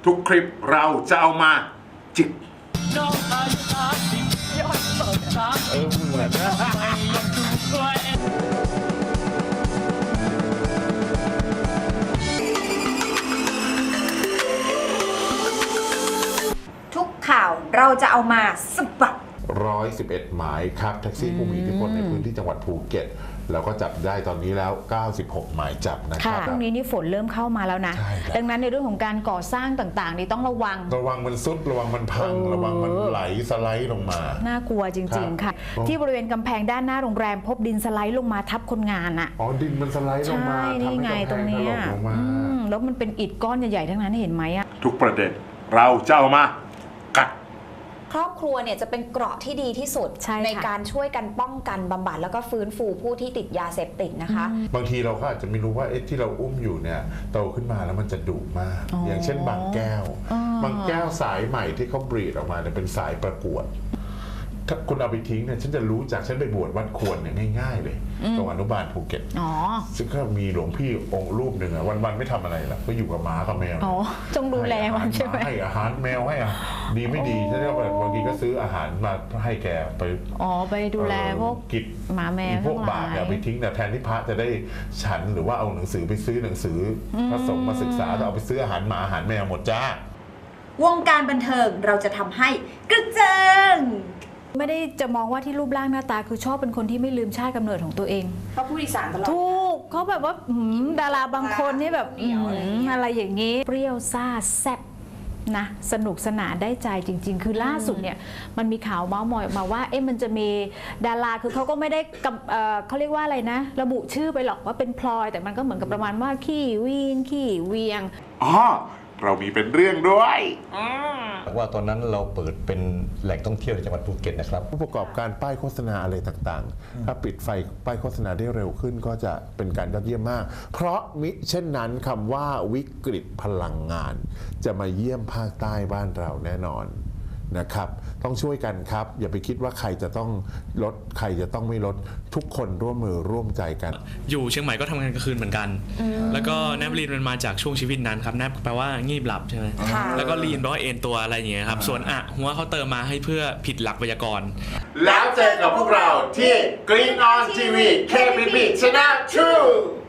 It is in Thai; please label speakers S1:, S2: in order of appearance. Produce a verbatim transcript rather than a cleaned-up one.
S1: ทุกคลิปเราจะเอามาจิก
S2: เออเหมือนนะ
S3: ทุกข่าวเราจะเอามาสบัด
S1: ร้อยสิบเอ็ดหมายครับแท็กซี่ผู้มีอิทธิพลในพื้นที่จังหวัดภูเก็ตแล้วก็จับได้ตอนนี้แล้วเก้าสิบหกหมายจับนะครับ
S4: ช่วงนี้นี่ฝนเริ่มเข้ามาแล้วนะดังนั้นในเรื่องของการก่อสร้างต่างๆนี่ต้องระวัง
S1: ระวังมันซุดระวังมันพังระวังมันไหลสไลด์ลงมา
S4: น่ากลัวจริงๆค่ะที่บริเวณกำแพงด้านหน้าโรงแรมพบดินสไลด์ลงมาทับคนงานอ่ะ
S1: อ๋อดินมันสไลด์ลงมา
S4: ใช่นี่ไงตรงนี้แล้วมันเป็นอิฐก้อนใหญ่ๆทั้งนั้นเห็นไหมอ่ะ
S1: ทุกประเด็นเราจะเอามากัด
S3: ครอบครัวเนี่ยจะเป็นเกราะที่ดีที่สุด
S4: ใ,
S3: ในการช่วยกันป้องกันบำบัดแล้วก็ฟื้นฟูผู้ที่ติดยาเสพติดนะคะ
S1: บางทีเราก็อาจจะไม่รู้ว่าเอ๊ะที่เราอุ้มอยู่เนี่ยโตขึ้นมาแล้วมันจะดุมาก อ, อย่างเช่นบางแก้วบางแก้วสายใหม่ที่เขาบรีดออกมาเนี่ยเป็นสายประกวดถ้าคุณเอาไปทิ้งเนี่ยฉันจะรู้จากฉันไปบวชวัดควรเนี่ยง่ายๆเลยตรงอนุบาลภูเก็ตซึ่งก็มีหลวงพี่องค์รูปหนึ่งอะวันๆไม่ทำอะไรหรอกก็อยู่กับหมากับแมว
S4: อ๋อจงดูแลมันใช่ไหม
S1: ให้อาหารแมวให้ดีไม่ดีฉันก็บางทีก็ซื้ออาหารมาให้แกไป
S4: อ๋อไปดูแลพวก
S1: กิจ
S4: หมาแมว
S1: พวกบาปอย่าไปทิ้งแต่แทนที่พระจะได้ฉันหรือว่าเอาหนังสือไปซื้อหนังสือพระสงฆ์มาศึกษาจะเอาไปซื้ออาหารหมาอาหารแมวหมดจ้
S3: าวงการบันเทิงเราจะทำให้กระเจิง
S4: ไม่ได้จะมองว่าที่รูปร่างหน้าตาคือชอบเป็นคนที่ไม่ลืมชาติกำเนิดของตัวเอง
S3: เขาพูดอีสานตลอด
S4: ถูกเขาแบบว่าดาราบางคนนี่แบบอะไรอย่างนี้เปรี้ยวซ่าแซ่บนะสนุกสนานได้ใจจริงๆคือล่าสุดเนี่ยมันมีข่าวเมาส์มอยออกมาว่าเอ๊ะมันจะมีดาราคือเขาก็ไม่ได้เขาเรียกว่าอะไรนะระบุชื่อไปหรอกว่าเป็นพลอยแต่มันก็เหมือนกับประมาณว่าขี้วีนขี้เวียง
S1: อ๋อเรามีเป็นเรื่องด้วย
S2: ว่าตอนนั้นเราเปิดเป็นแหล่งท่องเที่ยวในจังหวัดภูเก็ตนะครับ
S1: ผู้ประกอบการป้ายโฆษณาอะไรต่างๆถ้าปิดไฟป้ายโฆษณาได้เร็วขึ้นก็จะเป็นการยอดเยี่ยมมากเพราะมิเช่นนั้นคำว่าวิกฤตพลังงานจะมาเยี่ยมภาคใต้บ้านเราแน่นอนนะครับต้องช่วยกันครับอย่าไปคิดว่าใครจะต้องลดใครจะต้องไม่ลดทุกคนร่วมมือร่วมใจกัน
S5: อยู่เชียงใหม่ก็ทำงานกลางคืนเหมือนกันแล้วก็แนบลีนมันมาจากช่วงชีวิตนั้นครับแนบแปลว่างีบหลับใช่ไหมแล้วก็ลีนแปลว่าเอนตัวอะไรอย่างเงี้ยครับส่วนอะหัวเขาเติมมาให้เพื่อผิดหลักไวยากรณ์
S1: แล้วเจอกับพวกเราที่ Green On ที วี เค พี พี Channel ทู